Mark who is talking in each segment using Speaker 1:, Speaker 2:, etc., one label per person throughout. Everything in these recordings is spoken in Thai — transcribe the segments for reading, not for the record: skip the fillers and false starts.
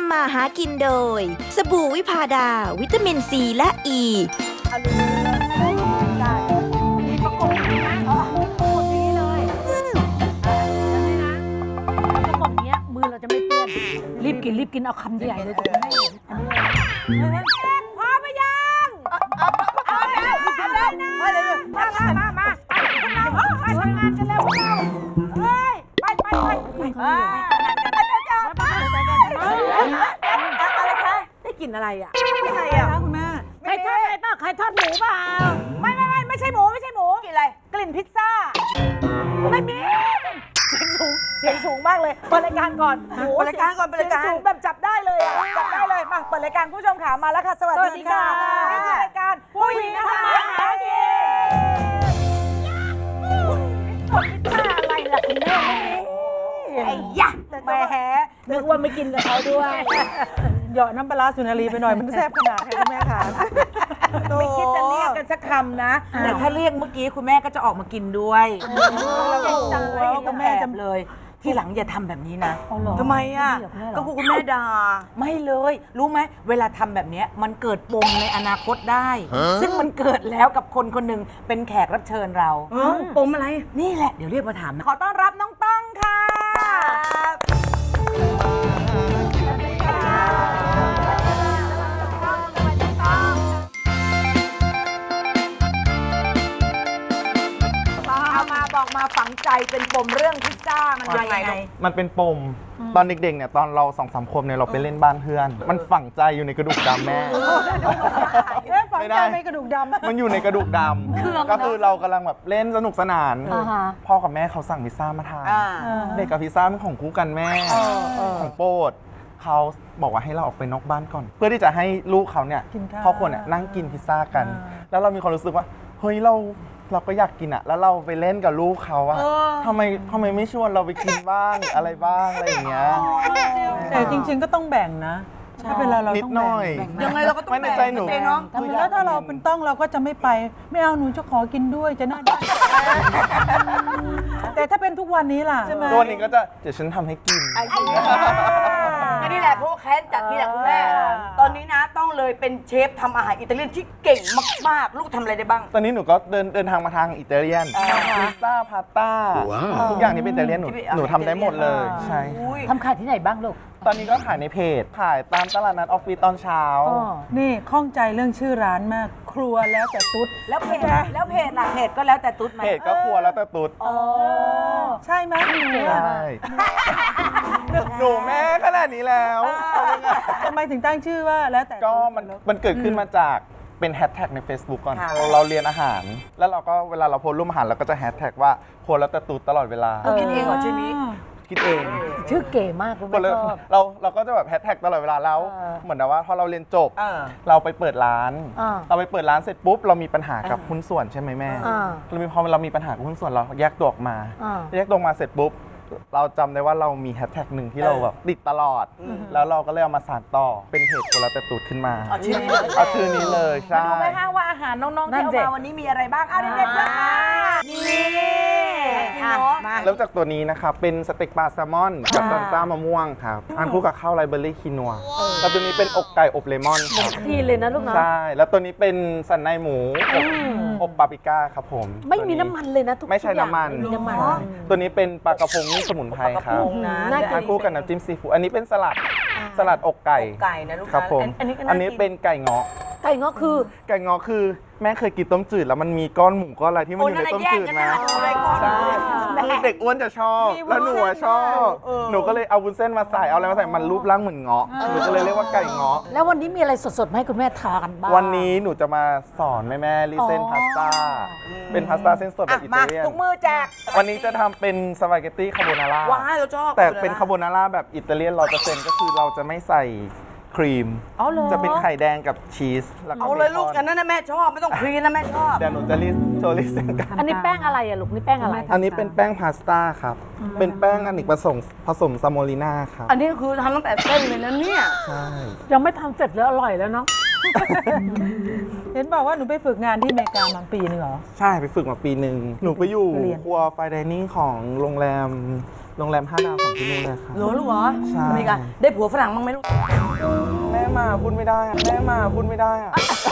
Speaker 1: ำมาหากินโดย สบู่วิพาดา วิตามินซีและอ e.
Speaker 2: อลูได้มีประกบนะประกบนี้เลยแล้วนี่นะประกบเนี้ยมือเราจะไม่เปื้อนรีบกินเอาคำใหญ่เลยจะไม่ให้เห็นอันนี้พอไปยังเอาแล้วนะมาพวกเราไปทำงานกันแล้วพวกเราเฮ้ยไปอะไรคะได้กลิ่นอะไรอ่ะอะไรอ่ะคุณแม่ใครทอดอะไรเปล่าใครทอดหมูเปล่าไม่ใช่หมูกลิ่นอะไรกลิ่นพิซซ่าไม่มีเสียงสูงมากเลยเปิดรายการก่อนเปิดรายการเสียงสูงแบบจับได้เลยอ่ะจับได้เลยมาเปิดรายการผู้ชมขามาแล้วค่ะสวัสดีค่ะนี่คือรายการผู้หญิงทำมาหากินพิซซ่าอะไรล่ะคุณแม่ไอ้ยะแหมนึกว่าไม่กินกับเขาด้วย
Speaker 3: เหยาะน้ำปลาร้าสุนารีไปหน่อยมันแซ่บขนาดไหนคุณแม่คะ
Speaker 2: ไม่คิดจะเรียกกันสักคำนะแต่ถ้าเรียกเมื่อกี้คุณแม่ก็จะออกมากินด้วยคุณแม่จำเลยที่หลังอย่าทำแบบนี้นะทำไมอ่ะก็คุณแม่ด่าไม่เลยรู้ไหมเวลาทำแบบนี้มันเกิดปมในอนาคตได้ ซึ่งมันเกิดแล้วกับคนคนหนึ่งเป็นแขกรับเชิญเราปมอะไรนี่แหละเดี๋ยวเรียกมาถามนะขอต้อนรับน้องต้องค่ะบอกมาฝังใจเป็นปมเรื่องพิซซ่ามันยังไง
Speaker 4: มันเป็นปมตอนเด็กๆเนี่ยตอนเรา2-3 ขวบเนี่ยเราไปเล่นบ้านเพื่อนมันฝังใจอยู่ในกระดูกดำแม่
Speaker 3: ฝังใจในกระดูกดำ
Speaker 4: มันอยู่ในกระดูกดำก็คือเรากำลังแบบเล่นสนุกสนานพ่อกับแม่เขาสั่งพิซซ่ามาทานเด็กกับพิซซ่าเป็นของคู่กันแม่ของโปรดเขาบอกว่าให้เราออกไปนอกบ้านก่อนเพื่อที่จะให้ลูกเขาเนี่ยครอบครัวเนี่ยนั่งกินพิซซ่ากันแล้วเรามีความรู้สึกว่าเฮ้ยเราก็อยากกินอะแล้วเราไปเล่นกับลูกเขาอะทำไมไม่ชวนเราไปกินบ้างอะไรบ้างอะไรอย่างเงี้ย
Speaker 3: แต่จริงๆก็ต้องแบ่งนะถ้าเป็นเรา
Speaker 4: นิดหน่อย
Speaker 2: ยังไงเราก็ต้อง
Speaker 4: ไม่ในใจหนู
Speaker 3: แล้วถ้าเราเป็นต้องเราก็จะไม่ไปไม่เอาหนูจะขอกินด้วยจะน่าได้แต่ถ้าเป็นทุกวันนี้ล่ะใช่ไหม
Speaker 4: ตัวนี้ก็จะเดี๋ยวฉันทำให้กิน
Speaker 2: ก็นี่แหละเพราะแค้นจัดนี่แหละคุณแม่ตอนนี้นะต้องเลยเป็นเชฟทำอาหารอิตาเลียนที่เก่งมากๆลูกทำอะไรได้บ้าง
Speaker 4: ตอนนี้หนูก็เดินทางมาทางอิตาเลียนพิซซ่าพาสต้าทุกอย่างที่เป็นอิตาเลียนหนูทำได้หมดเลยใช่
Speaker 2: ทำขายที่ไหนบ้างลูก
Speaker 4: ตอนนี้ก็ขายในเพจขายตามตลาดนัดออฟฟิศตอนเช้า
Speaker 3: นี่ข้องใจเรื่องชื่อร้านมากครัวแล้วแต่ตุ๊ด
Speaker 2: แล้วเพจล่ะเพจก็แล้วแต่ตุ๊ดไหม
Speaker 4: เพจก็ครัวแล้วแต่ตุ๊ด
Speaker 3: ใช่ไหม
Speaker 4: ใช่หนูแม่ขนาดนี้แล้ว
Speaker 3: ทำไมถึงตั้งชื่อว่าแล้วแต่
Speaker 4: ก็มันเกิดขึ้นมาจากเป็นแฮชแท็กใน Facebook ก่อนเราเรียนอาหารแล้วเราก็เวลาเราโพสต์รูปอาหารเราก็จะแฮชแท็กว่าครัวแล้วแต่ตุ๊ดตลอดเวลา
Speaker 2: คิดเองเหรอชื่อนี้
Speaker 4: คิดเอง
Speaker 2: ชื่อเก๋มากคุณแม่ชอบ
Speaker 4: เราก็จะแบบแฮชแท็กตลอดเวลาแล้วเหมือนว่าพอเราเรียนจบเราไปเปิดร้านเสร็จปุ๊บเรามีปัญหากับหุ้นส่วนใช่ไหมแม่พอเรามีปัญหากับหุ้นส่วนเราแยกตัวออกมาเสร็จปุ๊บเราจำได้ว่าเรามีแฮชแท็กหนึ่งที่เราแบบติดตลอดแล้วเราก็เลยเอามาสานต่อเป็นเพจคนละแต่ตูดขึ้นมา
Speaker 2: เอาชื่
Speaker 4: อนี้เลยใช่
Speaker 2: มาดูไหมคะว่าอาหารน้องๆที่เอามาวันนี้มีอะไรบ้างเอาเด็กๆเลยค่ะนี่
Speaker 4: เริ่มจากตัวนี้นะครับเป็นสเต็กปลาแซลมอนกับซันซ่ามะม่วงครับทานคู่กับข้าวไรเบอรี่คีนัวแล้วตัวนี้เป็นอกไก่อบเลมอนครับ
Speaker 2: ดีเลยนะลูกนะ
Speaker 4: ใช่แล้วตัวนี้เป็นสันในหมูอบปาปริก้าครับผม
Speaker 2: ไม่มีน้ำมันเลยนะทุกอย่าง
Speaker 4: ไม่ใช่น้ำมันตัวนี้เป็นปลากระพงนี่สมุนไพรครับทานคู่กับน้ำจิ้มซีฟู้ดอันนี้เป็นสลัดอกไก่
Speaker 2: นะลูก
Speaker 4: ครับผมอันนี้เป็นไก่เงาะคือแม่เคยกินต้มจืดแล้วมันมีก้อนหมูก้อนอะไรที่มันอยู่ในต้มจืดนะใช่คือเด็กอ้วนจะชอบแล้วหนูชอบหนูก็เลยเอาวุ้นเส้นมาใส่เอาอะไรมาใส่มันรูปร่างเหมือนเงาะหนูก็เลยเรียกว่าไก่เงาะ
Speaker 2: แล้ววันนี้มีอะไรสดๆให้คุณแม่ทานบ้าง
Speaker 4: วันนี้หนูจะมาสอนแม่รีเส้นพาสต้าเป็นพาสต้าเส้นสดแบบอิตาเลียน
Speaker 2: ทุกมือแจก
Speaker 4: วันนี้จะทำเป็นสปาเกตตี้คาโบนาร่า
Speaker 2: ว้าวเราชอบ
Speaker 4: แต่เป็นคาโบนาร่าแบบอิตาเลียน100%ก็คือเราจะไม่ใส่ครีมจะเป็นไข่แดงกับชีส
Speaker 2: เอาเลยลูกอันนั้นนะแม่ชอบไม่ต้องครีมนะแม่ชอบ
Speaker 4: เดี๋ยวหนูจะโชว์ลิสต์กัน
Speaker 2: อันนี้แป้งอะไรอะลูกนี่แป้งอะไร
Speaker 4: อันนี้เป็นแป้งพาสต้าครับเป็นแป้งอเนกประสงค์ผสมซาโมลิน่าครับ
Speaker 2: อันนี้คือทำตั้งแต่เส้นเลยนะเนี่ย
Speaker 4: ใช่
Speaker 2: ยังไม่ทำเสร็จแล้วอร่อยแล้วเนาะ
Speaker 3: เห็นบอกว่าหนูไปฝึกงานที่อเมริกามาปีนึงเหรอ
Speaker 4: ใช่ไปฝึกมาปีหนึ่งหนูไปอยู่
Speaker 3: เรียน
Speaker 4: ครัวไฟดิเนิ่งของโรงแรม5 ดาวของที่นู่นเลยค่ะ
Speaker 2: หนูลูกเหรอ
Speaker 4: ใช่
Speaker 2: อเมริกาได้ผัวฝรั่งบ้างไหมลูก
Speaker 4: แม่มาพูดไม่ได้อะแม่มาพูดไม่ได้อะ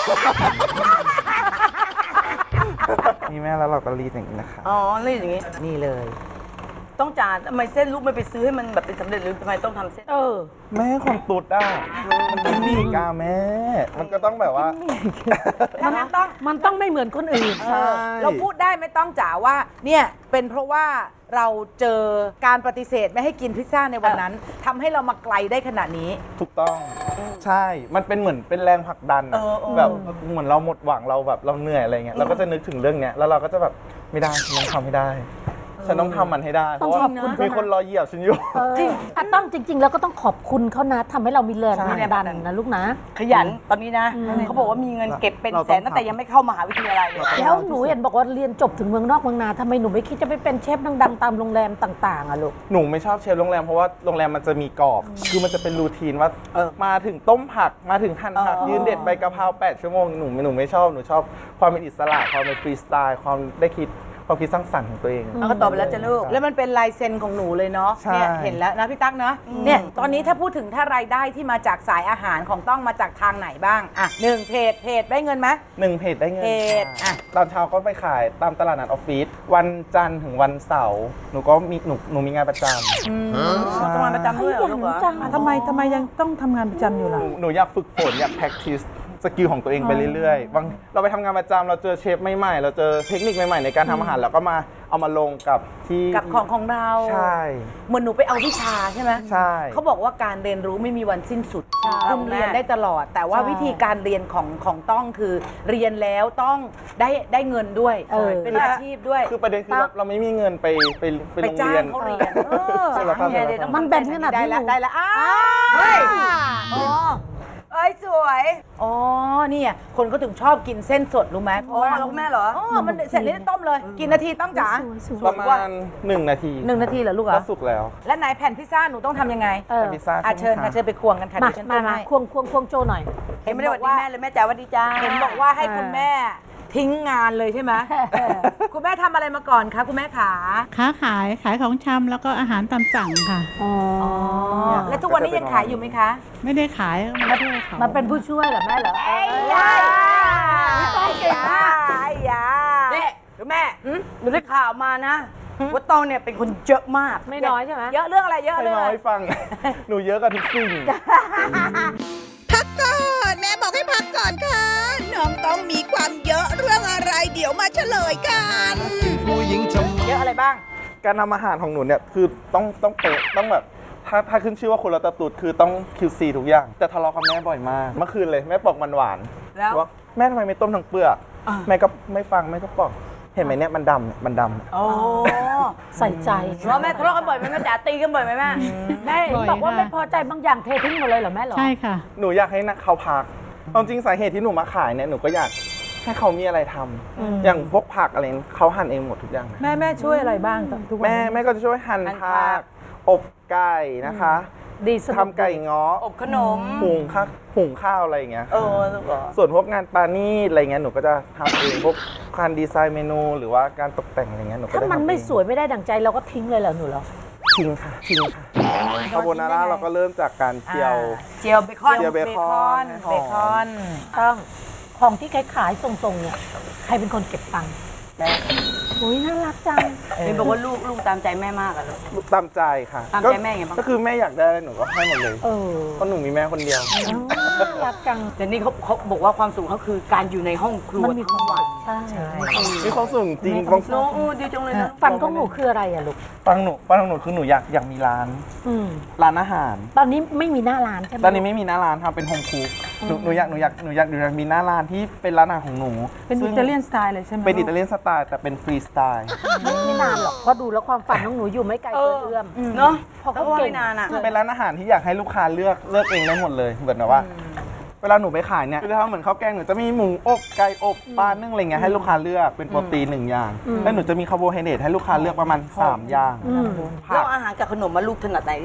Speaker 4: นี่แม่แล้วเราก็รีดอย่างนี้นะคะ
Speaker 2: อ๋อนี่อย่างงี้ นี่เลย ต้องจ่าทำไมเส้นลูกไม่ไปซื้อให้มันแบบเป็นสำเร็จหรือทำไมต้องทำเส้น
Speaker 4: แม่คนตุดอ่ะมันกินหมี่กาแม่ มันก็ต้องแบบว่า
Speaker 5: มันต้องไม่เหมือนคนอื่น
Speaker 4: ใช่
Speaker 6: เราพูดได้ไม่ต้องจ๋าว่าเนี่ยเป็นเพราะว่าเราเจอการปฏิเสธไม่ให้กินพิซซ่าในวันนั้นทำให้เรามาไกลได้ขนาดนี้
Speaker 4: ถูกต้อง ใช่ มันเป็นเหมือนเป็นแรงผลักดันอะแบบเหมือนเราหมดหวังเราแบบเราเหนื่อยอะไรเงี้ยเราก็จะนึกถึงเรื่องเนี้ยแล้วเราก็จะแบบไม่ได้ฉันต้องทำให้ได้ฉันต้องทำมันให้ได้เพ
Speaker 5: ต้อง
Speaker 4: ราะว่า
Speaker 5: ขอบคุณ
Speaker 4: มีคนรอเหยียบฉันอยู่
Speaker 5: จริงต้องจริง ๆ แล้วก็ต้องขอบคุณเขานะทำให้เรามีแรง
Speaker 4: ใช่
Speaker 5: ผลักดันนะลูกนะ
Speaker 2: ขยันตอนนี้นะ เขาบอกว่ามีเงินเก็บเป็นแสนตั้งแต่ยังไม่เข้ามหาวิทยาลัยเลย
Speaker 5: แล้วหนูเห็นบอกว่าเรียนจบถึงเมืองนอกเมืองนาทำไมหนูไม่คิดจะไปเป็นเชฟดังๆตามโรงแรมต่างๆอะลูก
Speaker 4: หนูไม่ชอบเชฟโรงแรมเพราะว่าโรงแรมมันจะมีกรอบ คือมันจะเป็นรูทีนว่ามาถึงต้มผักมาถึงหั่นผักยืนเด็ดใบกะเพรา8 ชั่วโมงหนูไม่ชอบหนูชอบความเป็นอิสระความเป็นฟรีสไตล์ความได้คิดความคิดสร้างสรรค์ของตัวเอง
Speaker 2: แล้วก็ตอบไปแล้วจะลูก
Speaker 6: แล้วมันเป็นลายเซ็นของหนูเลยเนาะ
Speaker 4: ใช่
Speaker 6: เนี่ยเห็นแล้วนะพี่ตั๊กเนาะเนี่ยตอนนี้ถ้าพูดถึงถ้ารายได้ที่มาจากสายอาหารของต้องมาจากทางไหนบ้างอ่ะหนึ่งเพจได้เงินไหม
Speaker 4: 1 เพจได้เงิน
Speaker 6: เพจ
Speaker 4: ค่ะ
Speaker 6: อ่ะ
Speaker 4: ตอนเช้าก็ไปขายตามตลาดนัดออฟฟิศวันจันทร์ถึงวันเสาร์หนูก็มีหนูมีงานประจำใช่
Speaker 2: ต้องมาประจำด้วยเหรอลูกเหรอ
Speaker 3: ทำไมยังต้องทำงานประจำอยู่ล่ะ
Speaker 4: หนูอยากฝึกฝนอยาก practice สกิลของตัวเองไปเรื่อยๆบางเราไปทำงานประจำเราเจอเชฟใหม่ๆเราเจอเทคนิคใหม่ๆในการทำอาหารแล้วก็มาเอามาลงกับที่
Speaker 6: กับของเรา
Speaker 4: ใช่
Speaker 6: เหมือนหนูไปเอาวิชาใช่ไหม
Speaker 4: ใช่
Speaker 6: เขาบอกว่าการเรียนรู้ไม่มีวันสิ้นสุดคุณเรียนได้ตลอด แต่ว่าวิธีการเรียนของต้องคือเรียนแล้วต้องได้เงินด้วย เป็นอาชีพด้วย
Speaker 4: คือประเด็นคือเราไม่มีเงินไปโรง
Speaker 6: จ้า
Speaker 4: เรีย
Speaker 6: ง
Speaker 4: น
Speaker 6: เขาเรียน
Speaker 4: ใช่แล้วครับ
Speaker 5: มันแบนขนาด
Speaker 6: ได้
Speaker 5: ที่ห
Speaker 6: ละ
Speaker 5: นู
Speaker 6: ได้ละอ้าวเฮ้ยเอ้ยสวย อ๋อเนี่ยคนเขาถึงชอบกินเส้นสดรู้ไหมเพราะว่า
Speaker 2: แล้วแม่เหรอ
Speaker 6: อ๋อมันเสร็จแล้วต้มเลย กี่นาทีต้องจ๋า
Speaker 4: ประมาณ1 นาที
Speaker 6: 1 นาทีเหรอลูกเหร
Speaker 4: ก็
Speaker 6: อ
Speaker 4: สุกแล้ว
Speaker 6: และไหนแผ่นพิซซ่าหนูต้องทำยังไง
Speaker 4: พิซซ่า
Speaker 6: เชิญค่ะเชิญไปควงกันค่ะ
Speaker 5: มา
Speaker 6: เดี๋ยวฉัน
Speaker 5: มา
Speaker 6: ต้ม
Speaker 5: มา
Speaker 6: ให้
Speaker 5: ควงโจหน่อย
Speaker 2: เห็นไม่ได้หวัดดีแม่เลยแม่จ๋าหวัดดีจ้า
Speaker 6: เห็นบอกว่าให้คุณแม่ทิ้งงานเลยใช่ไหม คุณแม่ทำอะไรมาก่อนคะคุณแม่ขา
Speaker 7: ค้าขายของชำแล้วก็อาหารตามสั่งค่ะ
Speaker 6: แล้วทุกวันนี้ยังขายอยู่ไหมคะ
Speaker 7: ไม่ได้ขายมาด้วยเขา
Speaker 5: มันเป็นผู้ช่วยเหรอแม่เหรอ
Speaker 6: ยาต้องเก่งมากยา
Speaker 2: เนี่ยหรือแม่หนูได้ข่าวมานะว่าตองเนี่ยเป็นคนเยอะมาก
Speaker 5: ไม่น้อยใช่ไหม
Speaker 6: เยอะเรื่องอะไรเยอะ
Speaker 4: ให้
Speaker 6: เรื่อง
Speaker 4: น้
Speaker 6: อะ
Speaker 4: อ
Speaker 6: ไร
Speaker 4: ยฟัง หนูเยอะกับทุกสิ่ง
Speaker 1: พักก่อนแม่บอกให้พักก่อนค่ะ น้องต้องมีความเยอะเรื่องอะไร เดี๋ยวมาเฉลยกัน
Speaker 6: เยอะอะไรบ้าง
Speaker 4: การทำอาหารของหนูเนี่ยคือต้องเป๊ะต้องแบบถ้าขึ้นชื่อว่าคุณรัตตุดคือต้อง QC ทุกอย่างแต่ทะเลาะกับแม่บ่อยมากเมื่อคืนเลยแม่ปอกมันหวาน
Speaker 2: แล้ว
Speaker 4: ว่าแม่ทำไมไม่ต้มทั้งเปลือกแม่ก็ไม่ฟังแม่ก็ปอกเห็นไหมเนี่ยมันดำเนี่ยมันดำ
Speaker 2: โอ้
Speaker 5: ใส่ใจ
Speaker 2: ว่าแม่ทะเลาะกันบ่อยไหมแม่จ๋าตีกันบ่อยไหมแม่
Speaker 5: แม่บอกว่าไม่พอใจบางอย่างเททิ้งหมดเลยเหรอแม่เหรอ
Speaker 7: ใช่ค่ะ
Speaker 4: หนูอยากให้นักเขาพักความจริงสาเหตุที่หนูมาขายเนี่ยหนูก็อยากให้เขามีอะไรทำอย่างพวกผักอะไรเขาหั่นเองหมดทุกอย่างนะ
Speaker 3: แม่ช่วยอะไรบ้างทุกวัน
Speaker 4: แม่ก็จะช่วยหั่นผักอบไก่นะคะ
Speaker 5: ดีสนุก
Speaker 4: ทำไก่ง้อ
Speaker 2: อบขนม
Speaker 4: หุงข้าวอะไรอย่างเงี้ย
Speaker 2: ลูกเหรอ
Speaker 4: ส่วนพวกงานปานี่อะไรเงี้ยหนูก็จะทำเองพวกการดีไซน์เมนูหรือว่าการตกแต่งอะไรเงี้ยหนูก็
Speaker 5: ถ้า
Speaker 4: ได้
Speaker 5: มัน
Speaker 4: ทำ
Speaker 5: ไม่
Speaker 4: เอง
Speaker 5: สวยไม่ได้ดั่งใจเราก็ทิ้งเลยเหรอหนูเหรอ
Speaker 4: ทิ้งค่ะคาโบนาร่าเราก็เริ่มจากการเจียว
Speaker 2: เจียวเบคอน
Speaker 4: เจียวเบคอน
Speaker 6: เบคอน
Speaker 5: ต้องของที่ขายส่งๆเนี่ยใครเป็นคนเก็บตังค์
Speaker 2: แม่
Speaker 5: อุ้ยน่ารักจัง
Speaker 2: เห็นบอกว่าลูกตามใจแม่มากอะลูก
Speaker 4: ตามใจค่ะ
Speaker 2: ตามใจแม่ไงบ้าง
Speaker 4: ก็คือแม่อยากได้อะไรหนูก็ให้หมดเลย
Speaker 5: เออ
Speaker 4: เพราะหนูมีแม่คนเดียว
Speaker 5: น่ารักจัง
Speaker 2: แต่นี่เขาบอกว่าความสุขเขาคือการอยู่ในห้องครัว
Speaker 5: มันมีความหวังใช่
Speaker 4: มีความสุขจริงบาง
Speaker 2: น้องดีจังเลยนะ
Speaker 5: ฝันของหนูคืออะไรอะลูก
Speaker 4: ฟังของหนูคือหนูอยากมีร้าน
Speaker 5: อืม
Speaker 4: ร้านอาหาร
Speaker 5: ตอนนี้ไม่มีหน้าร้านใช่ไหม
Speaker 4: ตอนนี้ไม่มีหน้าร้านทำเป็นโฮมคุกหนูอยากมีหน้าร้านที่เป็นร้านอาหารของหนู
Speaker 3: เป็น
Speaker 4: ซึ่
Speaker 3: อิ
Speaker 4: ง
Speaker 3: ตาเลียนสไตล์เลยใช่ไหม
Speaker 4: เป็นอิตาเลียนสไตล์แต่เป็นฟรีสไตล์
Speaker 5: ไม่นานหรอกเพราะดูแล้วความฝันของหนูอยู่ไม่ไกลเกินเอื้อม
Speaker 2: เนาะ
Speaker 5: พอ
Speaker 2: เขา
Speaker 5: เขา
Speaker 2: ว่า
Speaker 5: เก่ง
Speaker 2: ไม่นานอะ
Speaker 4: เป็นร้านอาหารที่อยากให้ลูกค้าเลือกเองได้หมดเลยเหมือนแบบว่า เวลาหนูไปขายเนี่ยคือถ้าเหมือนข้าวแกงหนูจะมีหมูอบไก่อบปลานึ่งอะไรเงี้ยให้ลูกค้าเลือกเป็นโปรตีน1 อย่างแล้วหนูจะมีคาร์โบไฮเดรตให้ลูกค้าเลือกประมาณ3 อย่าง
Speaker 2: แล้วอาหารกับขนมมาลูกถนัดไหนที่สุด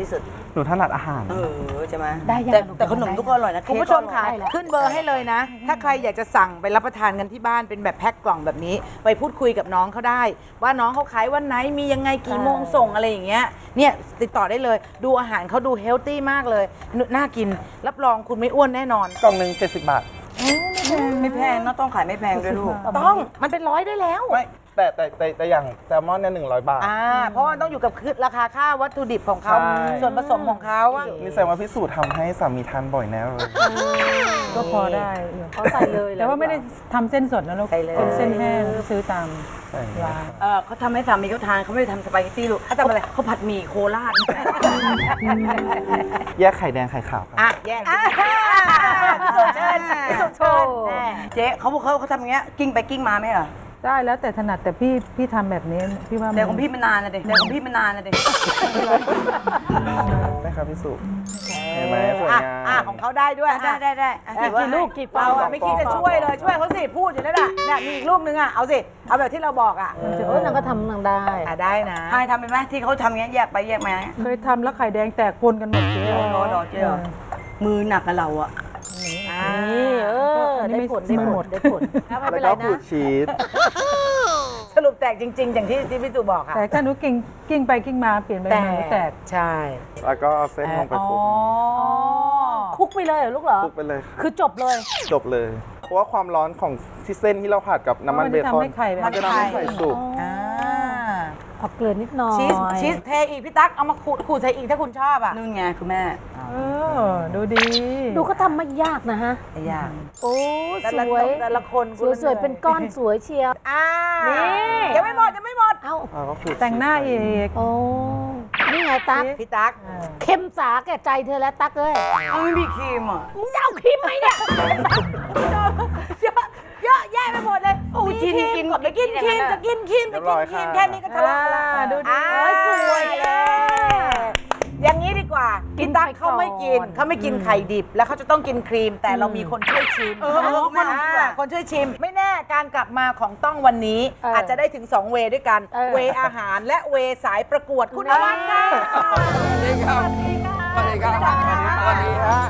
Speaker 4: หนูถนัดอาหาร
Speaker 6: ใช่ไหม
Speaker 5: ได้ยัง
Speaker 6: แต่ขนมทุกคนอร่อยนะ
Speaker 2: คุณผู้ชมค่ะ
Speaker 5: ได้แล้ว
Speaker 2: ขึ้นเบอร์ให้เลยนะ ถ้าใครอยากจะสั่งไปรับประทานกันที่บ้านเป็นแบบแพ็คกล่องแบบนี้ ไปพูดคุยกับน้องเขาได้ ว่าน้องเขาขายวันไหนมียังไงกี่โมงส่งอะไรอย่างเงี้ยเนี่ยติดต่อได้เลยดูอาหารเขาดูเฮลตี้มากเลยน่ากินรับรองคุณไม่อ้วนแน่นอน
Speaker 4: กล่องหนึ่ง70 บาท
Speaker 6: ไม่แพงนะต้องขายไม่แพงด้วยลูก
Speaker 2: ต้องมันเป็น100ได้แล้ว
Speaker 4: ไม่แต่อย่างแซลมอนเนี่ย100 บาท
Speaker 2: เพราะว่าต้องอยู่กับราคาค่าวัตถุดิบของเขา
Speaker 4: ใช่
Speaker 2: ส่วนผสมของเขาอะ
Speaker 4: นี่แสดงว่าพิสูจน์ทำให้สามีทานบ่อยแน่เลย
Speaker 3: ก็พอได้
Speaker 5: เขาใส่เลย
Speaker 3: แต่ว่าไม่ได้ทำเส้นสดนะลูกเป็นเส้นแห้งซื้อตาม
Speaker 4: ใช่
Speaker 3: ร้าน
Speaker 6: เขาทำให้สามีเขาทานเขาไม่ได้ทำสปาเกตตี้ลูกเขาทำอะไรเขาผัดหมี่โคราช
Speaker 4: แยกไข่แดงไข่ขาวครับ
Speaker 2: อ่ะแยกพิสูจน์เชิญพิสูจน์เชิญ
Speaker 6: เจ๊เขาทำอย่างเงี้ยกิ้งไปกิ้งมาไหมเหรอ
Speaker 3: ได้แล้วแต่ถนัดแต่พี่ทำแบบนี้พี่ว่า
Speaker 6: แต่ของพี่มันนานนะเด็กแต่ของพี่มันนานนะเด็ก
Speaker 4: ได้ครับพี่สุเห็นไหมสวยงาม
Speaker 2: ของเขาได้ด้วย
Speaker 6: ได้
Speaker 2: กี่ลูกกี่เราอะไม่คิดจะช่วยเลยช่วยเขาสิพูดอยู่นั่นแหละเนี่ยมีอีกลูกนึงอะเอาสิเอาแบบที่เราบอกอะ
Speaker 5: นางก็ทำนางได้
Speaker 2: ได้นะ
Speaker 6: ใช่ทำเป็นไหมที่เขาทำอย่างเงี้ยแยกไปแยกมา
Speaker 3: เคยทำแล้วไข่แดงแตกคนกันหมดเจ๊
Speaker 6: รอเจ๊มือหนักกับเราอะ
Speaker 5: นี่ได้ผลได้ผลได้ผลไม่
Speaker 4: แล้
Speaker 5: เป็น
Speaker 4: ว
Speaker 5: ไร
Speaker 4: ก็
Speaker 5: นะ
Speaker 4: ขูดชีส
Speaker 2: สรุปแตกจริง ๆ อย่างที่พี่ตู่บอกอะ
Speaker 3: แต่ถ้าหนูกิ้งไปกิ้งมาเปลี่ยนไปหนูแตก
Speaker 2: ใช่
Speaker 4: แล้วก็เอาเส้นลงไปคลุก
Speaker 5: คุกไปเลยเหรอลูกเหรอ
Speaker 4: คลุกไปเลยค่ะ
Speaker 5: คือจบเลย
Speaker 4: จบเลย เพราะว่าความร้อนของที่เส้นที่เราผัดกับน้ำมันเบคอน
Speaker 3: มันจะทำให้ไข่แบบ
Speaker 4: มันจะทำให้ไข่สุก
Speaker 5: เอาเกลือนิดหน่อย
Speaker 2: ชีสเทอีกพี่ตั๊กเอามาขูดใส่อีกถ้าคุณชอบอะ
Speaker 6: นู่นไงคุณแม่
Speaker 3: ดูดี
Speaker 5: ดูก็ทำไม่ยากนะฮะ
Speaker 2: ไม่ยาก
Speaker 5: โอ้
Speaker 2: แต่
Speaker 5: ส
Speaker 2: ละ
Speaker 5: วย
Speaker 2: แต่ละคน
Speaker 5: สวยๆเป็นก้อนสวยเชียว นี่
Speaker 2: ยังไม่หมดยังไม่หมด
Speaker 5: เอ้า
Speaker 4: แล้วก็ขูด
Speaker 3: แต่งหน้าอีก
Speaker 5: โอ้นี่ไงตั๊ก
Speaker 2: พี่ตั๊ก
Speaker 5: เข้มสาแก่ใจเธอแล้วตั๊กเอ้ย
Speaker 6: เอาไม่มีครีมอ่ะ
Speaker 5: มึงจะเอาครีมไหมเนี่ย
Speaker 2: เยอะแยะไปหมดเลยโอ้ยกินก่อนไปกินครีมจะกินครีมไปกินครีมแค่นี้ก็ทะเลาะกันแล้ว
Speaker 3: ดูดี
Speaker 2: สวยอย่างนี้ดีกว่าพี่ตั๊กเขาไม่กินไข่ดิบ แล้วเขาจะต้องกินครีม แต่เรามีคนช่วยชิมคนช่วยชิม ไม่แน่การกลับมาของต้องวันนี้ อาจจะได้ถึง2เวย์ด้วยกัน เวย์อาหารและเวย์สายประกวดคุณนวัดค่ะ
Speaker 8: สวัสดีครับสวัสดีครับสวัสดีฮะ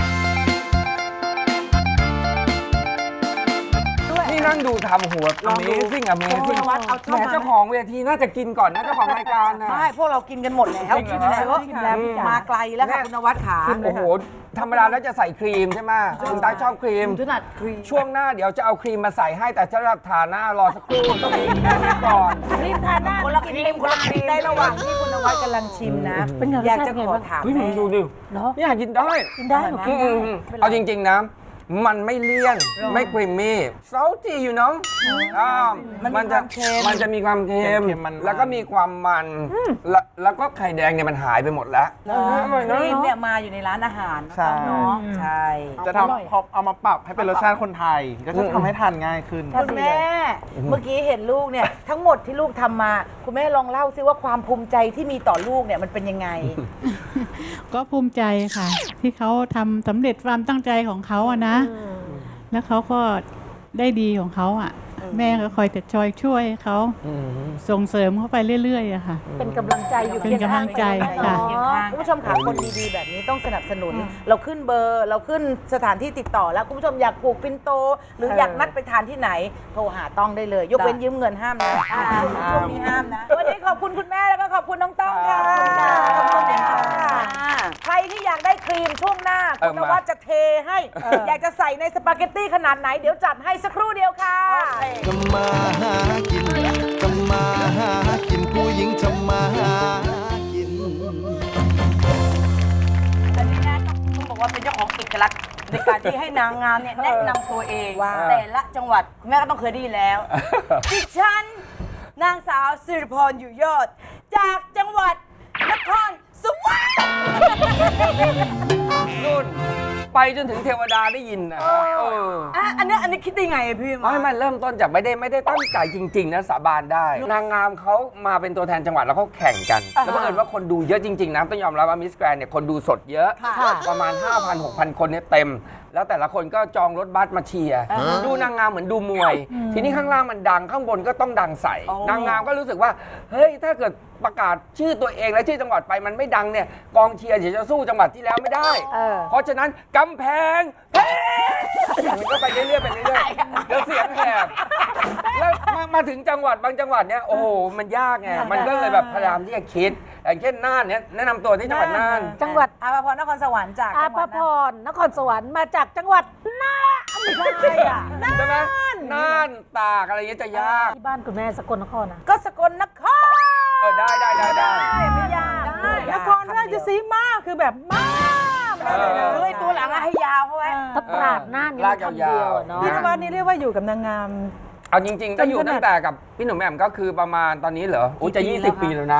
Speaker 8: นี่นั่งดูทำหัว Amazing แหมเจ้าของเวทีน่าจะกินก่อนนะเจ้าของรายการนะ
Speaker 2: ใช่พวกเรากินกันหมดแล้ว
Speaker 8: จริงเหรอ
Speaker 2: กินแล้วมาไกลแล้วค่ะคุณนวัดขา
Speaker 8: โอ้โห ธรรมดาแล้วจะใส่ครีมใช่ไหมคุณตาชอบครีม
Speaker 6: ถนัดครีม
Speaker 8: ช่วงหน้าเดี๋ยวจะเอาครีมมาใส่ให้แต่จะรับทาหน้ารอสักครู่ต้องมีแค่นี้ก่อน
Speaker 2: ครีมทาหน้า
Speaker 6: คนละครีมคนละครีม
Speaker 2: ในระหว่างที่คุณนวัดกำลังชิมนะ
Speaker 5: เป็นไง
Speaker 2: อยากจะ
Speaker 5: รสชาติไง
Speaker 2: ขอ
Speaker 5: บ้าง
Speaker 2: ถาม
Speaker 8: เฮ้ยมึ
Speaker 2: แม่
Speaker 8: งดูดิ
Speaker 5: เหรอ
Speaker 8: อยากกินได้
Speaker 5: กินได้หนูกินได้
Speaker 8: เอาจริง ๆ นะ มันไม่เลี่ยน ไม่ครีมมี่ salty you know มันจะมีความเค็ม
Speaker 4: เค็มๆมันๆ
Speaker 8: แล้วก็มีความมัน แล้วก็ไข่แดงเนี่ยมันหายไปหมดแล้วอร่อย
Speaker 6: ค
Speaker 8: นะ
Speaker 6: รีมเนี่ยมาอยู่ในร้านอาหาร
Speaker 4: ใช่
Speaker 6: เนาะ
Speaker 2: ใช่
Speaker 4: จะทำพอเอามาปรับให้เป็นรสชาติคนไทย ก็จะทำให้ทานง่ายขึ้น
Speaker 2: คุณแม่ เมื่อกี้เห็นลูกเนี่ย ทั้งหมดที่ลูกทำมา คุณแม่ลองเล่าซิว่าความภูมิใจที่มีต่อลูกเนี่ยมันเป็นยังไง
Speaker 7: ก็ภูมิใจค่ะ ที่เขาทำสำเร็จความตั้งใจของเขาอะนะ แล้วเขาก็ได้ดีของเขาอะแม่ก็คอยแต่ช่วยเขา ส่งเสริมเขาไปเรื่อยๆอะค่ะ
Speaker 5: เป็นกำลังใจอยู่
Speaker 7: เป็นกำลังใจค่ะ
Speaker 2: คุณผู้ชมค่ะคนดีๆแบบนี้ต้องสนับสนุน เราขึ้นเบอร์เราขึ้นสถานที่ติดต่อแล้วคุณผู้ชมอยากผูกปินโต หรืออยากนัดไปทานที่ไหน โทรหาต้องได้เลย ยกเว้นยืมเงินห้ามนะช่วงนี้ห้ามนะวันนี้ขอบคุณคุณแม่แล้วก็ขอบคุณน้องต้องค่ะขอบคุณค่ะใครที่อยากได้ครีมช่วงหน้าคุณนวัดจะเทให้ อยากจะใส่ในสปาเกตตี้ขนาดไหนเดี๋ยวจัดให้สักครู่เดียวค่ะ
Speaker 9: ทำมาหากินทำมาหากินผู้หญิงทำมาหากิน
Speaker 6: อันนี้นะต้องบอกว่าเป็นเจ้าของเอกลักษณ์ในการที่ให้นางงามเนี่ยแนะนำตัวเอง
Speaker 2: ว้าว
Speaker 6: แต่ละจังหวัดคุณแม่ก็ต้องเคยได้ยินแล้วดิฉันนางสาวสิริพรอยู่ยอด จากจังหวัดนครสวรรค์
Speaker 8: นู่นไปจนถึงเทวดาได้ยินนะ
Speaker 6: อันนี้คิดได้ไงอะพี่
Speaker 8: ไม่มันเริ่มต้นจากไม่ได้ตั้งใจจริง ๆ นะสาบานได้ นางงามเขามาเป็นตัวแทนจังหวัดแล้วเขาแข่งกัน แล้วบังเอิญว่าคนดูเยอะจริง ๆ นะ ต้องยอมรับว่ามิสแกรนเนี่ยคนดูสดเยอะ ประมาณ 5,000-6,000 คนเนี่ยเต็มแล้วแต่ละคนก็จองรถบัสมาเชียร์ดูนางงามเหมือนดูมวย ทีนี้ข้างล่างมันดังข้างบนก็ต้องดังใส่นางงามก็รู้สึกว่าเฮ้ยถ้าเกิดประกาศชื่อตัวเองและชื่อจังหวัดไปมันไม่ดังเนี่ยกองเชียร์เดี๋ยวจะสู้จังหวัดที่แล้วไม่ได้ เพราะฉะนั้นกำแพงเพชรมันก็ไปเรื่อยๆไปเรื่อยๆแล้วเสียงแหบแล้วมาถึงจังหวัดบางจังหวัดเนี่ยโอ้โหมันยากไงมันก็เลยแบบพยายามที่จะคิดอย่างเช่นน่านเนี่ยแนะนำตัวที่จังหวัดน่าน
Speaker 5: จังหวัด
Speaker 6: อาภพรนครสวรรค์จาก
Speaker 5: อา
Speaker 6: จังห
Speaker 5: ภ
Speaker 6: วัด
Speaker 5: พรนครสวรรค์มาจากจังหวัดน่านไม่ใช่อ่ะ
Speaker 8: ใช่ไหมน่านตากอะไรเงี้ยจะยาก
Speaker 5: ที่บ้านคุณแม่สกลนครนะ
Speaker 6: ก็สกลนคร
Speaker 8: ได้
Speaker 5: ไม่ยาก
Speaker 3: นครราชสีมาคือแบบมาก
Speaker 6: เฮ้ยตัวหลังอะให้ยาวเพราะว่า
Speaker 5: ถ้าตราดน่านนี่มันคำเดียวอะเนาะ
Speaker 3: พี่นวัดนี่เรียกว่าอยู่กับนางงาม
Speaker 8: เอาจริงๆ ก็อยู่ตั้งแต่กับพี่หนุ่มแหม่มก็คือประมาณตอนนี้เหรออุ้ยจะ 20 ปีแล้วนะ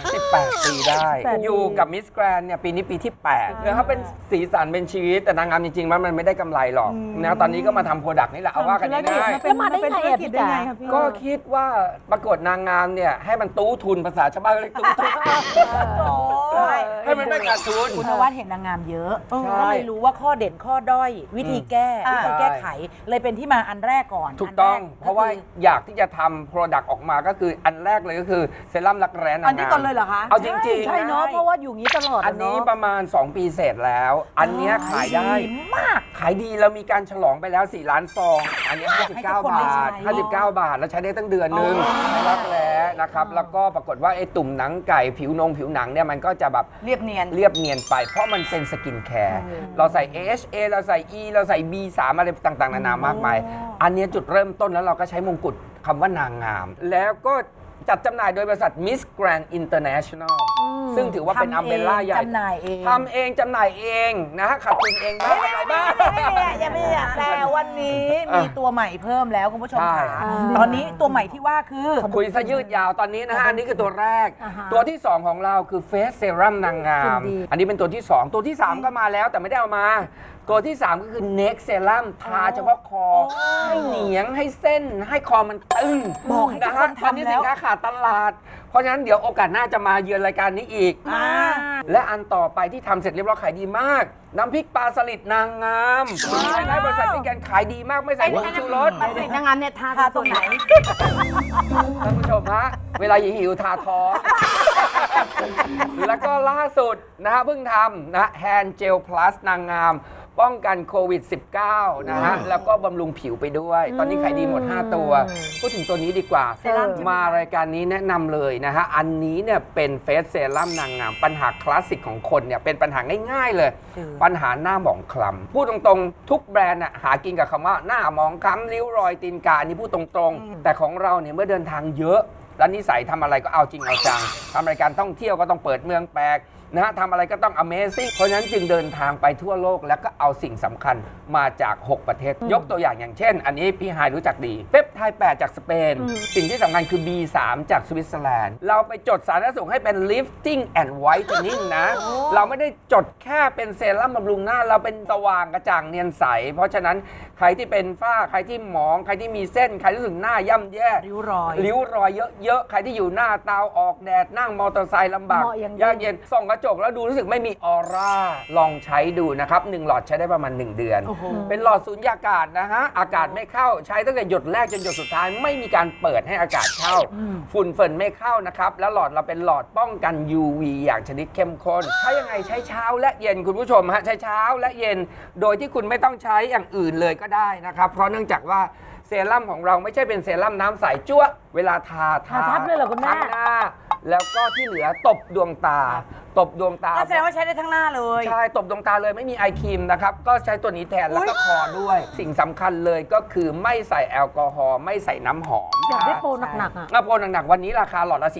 Speaker 8: 18 ปีได้ อยู่กับมิสแกรนเนี่ยปีนี้ปีที่8แล้วเขาเป็นสีสันเป็นชีวิตแต่นางงามจริงๆมันไม่ได้กำไรหรอกนะตอนนี้ก็มาทำโปรดักต์นี่แหละเอาว่ากันง่าย
Speaker 5: แล้วมาได้ไงอะพี่จ๋า
Speaker 8: ๆก็คิดว่าประกวดนางงามเนี่ยให้มันตู้ทุนภาษาชาวบ้านเรียกตู้ทุนให้มันไม่ขาดทุน
Speaker 6: คุณนวัดเห็นนางงามเยอะ
Speaker 8: ใช่
Speaker 6: ก็เลยรู้ว่าข้อเด่นข้อด้อย วิธีแก้วิธีแก้ไข เลยเป็นที่มาอันแรกก่อน
Speaker 8: ถูกต้อง
Speaker 6: นแก
Speaker 8: เพราะว่าอยากที่จะทำโปรดักต์ออกมาก็คืออันแรกเลยก็คือเซรั่มรักแร้นางงาม
Speaker 6: อันนี้ก่อนเลยเหรอคะ
Speaker 8: เอาจริงๆ
Speaker 5: ใช่เนาะเพราะว่าอยู่งี้ตลอด
Speaker 8: อั
Speaker 5: อะ
Speaker 8: นนี้
Speaker 5: เนาะ
Speaker 8: ประมาณ 2 ปีเสร็จแล้ว อันเนี้ยขายได้
Speaker 6: มาก
Speaker 8: ขายดีเรามีการฉลองไปแล้ว 4 ล้านซอง อันนี้
Speaker 6: ให้ทุกคนได้ใช้
Speaker 8: 59 บาท 59 บาท แล้วใช้ได้ตั้งเดือนนึงรักแร้นะครับ แล้วก็ปรากฏว่าไอ้ตุ่มหนังไก่ผิวหนังเนี่ยมันก็จะแบบ
Speaker 6: เรียบเนียน
Speaker 8: เรียบเนียนไป เพราะมันเป็นสกินแคร์ เราใส่ AHA เราใส่ E เราใส่ B3 อะไรต่างๆ นานามากมาย อันเนี้ยจุดเริ่มต้นแล้วเราก็ใช้มงกุฎคำว่านางงาม แล้วก็จัดจำหน่ายโดยบริษัท Miss Grand International ซึ่งถือว่าเป็นอัมเบร่าใหญ่
Speaker 6: จำหน่ายเอง
Speaker 8: ทำเองจำหน่ายเองนะฮะขัดทุนเองบ้างอะไรบ้าง
Speaker 6: ยังไม่อยากแต่วันนี้มีตัวใหม่เพิ่มแล้วคุณผู้ชม
Speaker 8: ใช่
Speaker 6: ค่ะตอนนี้ตัวใหม่ที่ว่าคือ
Speaker 8: คุยซะยืดยาวตอนนี้นะฮะ อันนี้คือตัวแรก ตัวที่ 2 ของเราคือเฟสเซรั่มนางงาม อันนี้เป็นตัวที่ 2 ตัวที่ 3 ก็มาแล้วแต่ไม่ได้เอามา ตัวที่ 3 ก็คือ Next Serum ทาเฉพาะคอ ให้เหนียงให้เส้นให้คอมันตึง
Speaker 6: บอกให้ทุ
Speaker 8: นะ
Speaker 6: กค
Speaker 8: ฮะ
Speaker 6: น
Speaker 8: ตอนนี้
Speaker 6: ทำแล้ว
Speaker 8: สินค้าขาดตลาด เพราะฉะนั้นเดี๋ยวโอกาสหน้าจะมาเยือนรายการนี้อีก และอันต่อไปที่ทำเสร็จเรียบร้อยขายดีมาก น้ำพริกปลาสลิดนางงามขายได้บริษัทมิสแกรนขายดีมากไม่ใส่ผงชูรส
Speaker 5: นางงามเนี่ยทาตรงไหน
Speaker 8: ท่านผู้ชมฮะ เวลาหิวทาท้อง แล้วก็ล่าสุดนะฮะเพิ่งทำนะแฮนเจลพลัสนางงาม ป้องกันโควิด -19 นะฮะ แล้วก็บำรุงผิวไปด้วย ตอนนี้ขายดีหมด 5 ตัว พูดถึงตัวนี้ดีกว่า มารายการนี้แนะนำเลยนะฮะ อันนี้เนี่ยเป็นเฟสเซรั่มนางงาม ปัญหาคลาสสิกของคนเนี่ยเป็นปัญหาง่ายๆเลย ปัญหาหน้าหมองคล้ำพูดตรงๆ ทุกแบรนด์น่ะหากินกับคำว่าหน้าหมองคล้ำริ้วรอยตีนกาอันนี้พูดตรงๆ แต่ของเราเนี่ยเมื่อเดินทางเยอะ แล้วนิสัยทำอะไรก็เอาจริงเอาจังทำรายการท่องเที่ยวก็ต้องเปิดเมืองแปลกนะฮะทำอะไรก็ต้อง Amazing เพราะฉะนั้นจึงเดินทางไปทั่วโลกแล้วก็เอาสิ่งสำคัญมาจาก 6 ประเทศ ยกตัวอย่างเช่น อันนี้พี่ไฮายรู้จักดีเปปไทด์8จากสเปน สิ่งที่สำคัญคือ B3 จากสวิตเซอร์แลนด์ เราไปจดสารสนเสริญให้เป็น lifting and whitening นะ เราไม่ได้จดแค่เป็นเซรั่มบำรุงหน้า เราเป็นสว่างกระจ่างเนียนใส เพราะฉะนั้นใครที่เป็นฝ้าใครที่หมองใครที่มีเส้นใครรู้สึกหน้าย่ำแย่
Speaker 6: ริ้วรอย
Speaker 8: ริ้วรอยเยอะๆ ใครที่อยู่หน้าเตาออกแดดนั่งมอเตอร์ไซค์ลำบาก
Speaker 5: เหมาะอย่างยิ่ง
Speaker 8: ยากเย็นส่องกระจกแล้วดูรู้สึกไม่มีออร่า ลองใช้ดูนะครับ 1 หลอดใช้ได้ประมาณ 1 เดือน เป็นหลอดสูญญากาศนะฮะ อากาศไม่เข้าใช้ตั้งแต่หยดแรกจนหยดสุดท้ายไม่มีการเปิดให้อากาศเข้า ฝุ่นเฟินไม่เข้านะครับ แล้วหลอดเราเป็นหลอดป้องกัน UV อย่างชนิดเข้มข้นใช้ยังไงใช้เช้าและเย็นคุณผู้ชมฮะใช้เช้าและเย็นโดยที่คุณไม่ต้องใช้อย่างอื่นเลยก็ได้นะครับเพราะเนื่องจากว่าเซรั่มของเราไม่ใช่เป็นเซรั่มน้ำใสจั่วเวลาทา
Speaker 5: ทาทับเลยเหรอคุณแม่
Speaker 8: ทั้งหน้า แล้วก็ที่เหลือตบดวงตา ตบดวงตา
Speaker 6: ก็แสดงว่าใช้ได้ทั้งหน้าเลย
Speaker 8: ใช่ ตบดวงตาเลยไม่มีไอครีมนะครับ ก็ใช้ตัวนี้แทนแล้วก็คอด้วย สิ่งสำคัญเลยก็คือไม่ใส่แอลกอฮอล์ไม่ใส่น้ำหอม
Speaker 5: อยากได้โปรหนักๆอ่ะ
Speaker 8: โปรหนักๆวันนี้ราคาหลอดละ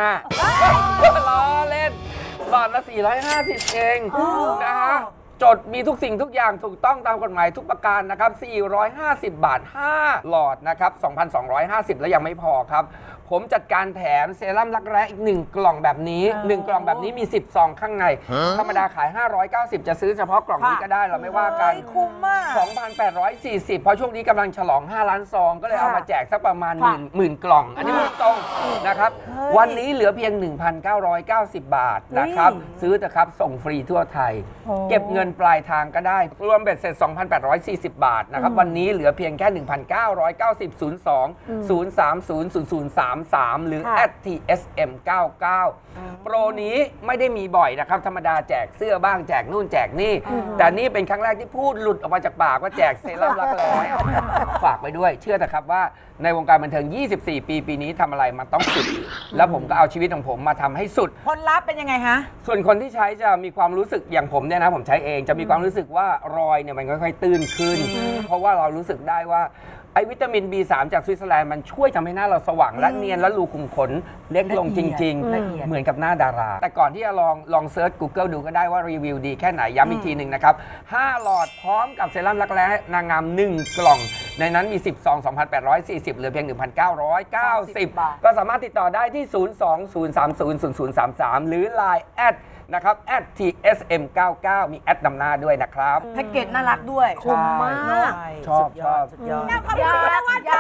Speaker 8: 450,000ล้อเล่นหลอดละ 450 เองนะฮะจดมีทุกสิ่งทุกอย่างถูกต้องตามกฎหมายทุกประการนะครับ 450 บาท 5 หลอดนะครับ 2,250 แล้วยังไม่พอครับผมจัดการแถมเซรั่มรักแร้อีก 1 กล่องแบบนี้ 1 กล่องแบบนี้มี 10 ซองข้างใน ธรรมดาขาย 590 จะซื้อเฉพาะกล่องนี้ก็ได้เราไม่ว่ากัน
Speaker 2: คุ้มมาก
Speaker 8: 2,840 เพราะช่วงนี้กำลังฉลอง 5 ล้านซอง ก็เลยเอามาแจกสักประมาณหมื่นกล่อง อันนี้พูดตรงนะครับ วันนี้เหลือเพียง 1,990 บาทนะครับ ซื้อเถอะครับ ส่งฟรีทั่วไทย เก็บเงินปลายทางก็ได้ รวมเบ็ดเสร็จ 2,840 บาทนะครับ วันนี้เหลือเพียงแค่ 1,990 02 030 0033 หรือ @tsm99 โปรนี้ไม่ได้มีบ่อยนะครับ ธรรมดาแจกเสื้อบ้างแจกนู่นแจกนี่ แต่นี่เป็นครั้งแรกที่พูดหลุดออกมาจากปากว่าแจกเซรั่มรักแร้ฝากไปด้วย เชื่อเถอะครับว่าในวงการบันเทิง 24 ปีปีนี้ทำอะไรมันต้องสุด แล้วผมก็เอาชีวิตของผมมาทำให้สุด
Speaker 2: ผลลัพธ์เป็นยังไงฮะ
Speaker 8: ส่วนคนที่ใช้จะมีความรู้สึกอย่างผมเนี่ยนะผมใช้เองจะมีความรู้สึกว่ารอยเนี่ยมันค่อยๆตื้นขึ้น เพราะว่าเรารู้สึกได้ว่าไอ้วิตามิน B3 จากสวิตเซอร์แลนด์มันช่วยทำให้หน้าเราสว่างและเนียนและรูขุมขนเล็กลงจริง
Speaker 2: ละเอียด
Speaker 8: ๆ เหมือนกับหน้าดารา แต่ก่อนที่จะลองเซิร์ช Google ดูก็ได้ว่ารีวิวดีแค่ไหนย้ำอีกทีหนึ่งนะครับ 5 หลอดพร้อมกับเซรั่มรักแร้นางงาม 1 กล่อง ในนั้นมี 10 ซอง 2,840 เหลือเพียง 1,990 ก็สามารถติดต่อได้ที่ 02-030-0033 หรือ Line แอดนะครับ @tsm99 มีแอดนำหน้าด้วยนะครับ
Speaker 2: แพ็กเกจน่ารักด้วย
Speaker 5: คุ้มมาก
Speaker 8: ชอบ
Speaker 2: สุดยอด
Speaker 5: ขอบคุณคุณนวัด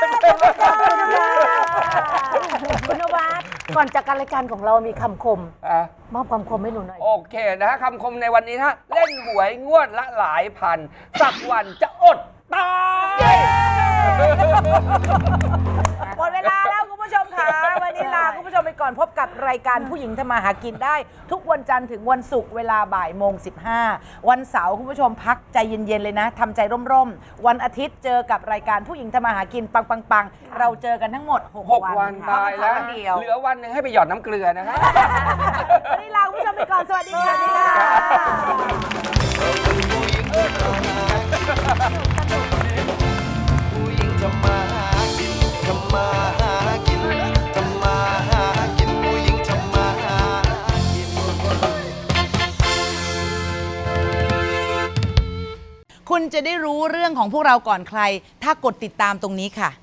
Speaker 5: คุณนวัดก่อนจากการรายการของเรามีคำคม มอบคำคมให้หนูหน่อย
Speaker 8: โอเคนะฮะคำคมในวันนี้นะฮะเล่นหวยงวดละหลายพัน สักวันจะอดตาย
Speaker 2: หมดเวลาแล้วคุณผู้ชมค่ะ วันนี้ลาคุณผู้ชมไปก่อนพบกับรายการผู้หญิงทำมาหากินได้ ทุกวันจันทร์ถึงวันศุกร์เวลาบ่ายโมง 15 วันเสาร์คุณผู้ชมพักใจเย็นๆเลยนะทำใจร่มๆ วันอาทิตย์เจอกับรายการผู้หญิงทำมาหากินปังๆเราเจอกันทั้งหมด
Speaker 8: 6 วัน
Speaker 2: ค่ะ
Speaker 8: ตายแล้ว
Speaker 2: วันเดียว
Speaker 8: เหลือวันหนึ่งให้ไปหยอดน้ำเกลือนะครับ
Speaker 2: วันนี้ลาคุณผู้ชมไปก่อน สวัสดีค่ะ
Speaker 9: ผู้หญิงทำมาหากินทำมาหากินทำมาหากินผู้หญิงทำมาหากิน
Speaker 6: คุณจะได้รู้เรื่องของพวกเราก่อนใคร ถ้ากดติดตามตรงนี้ค่ะ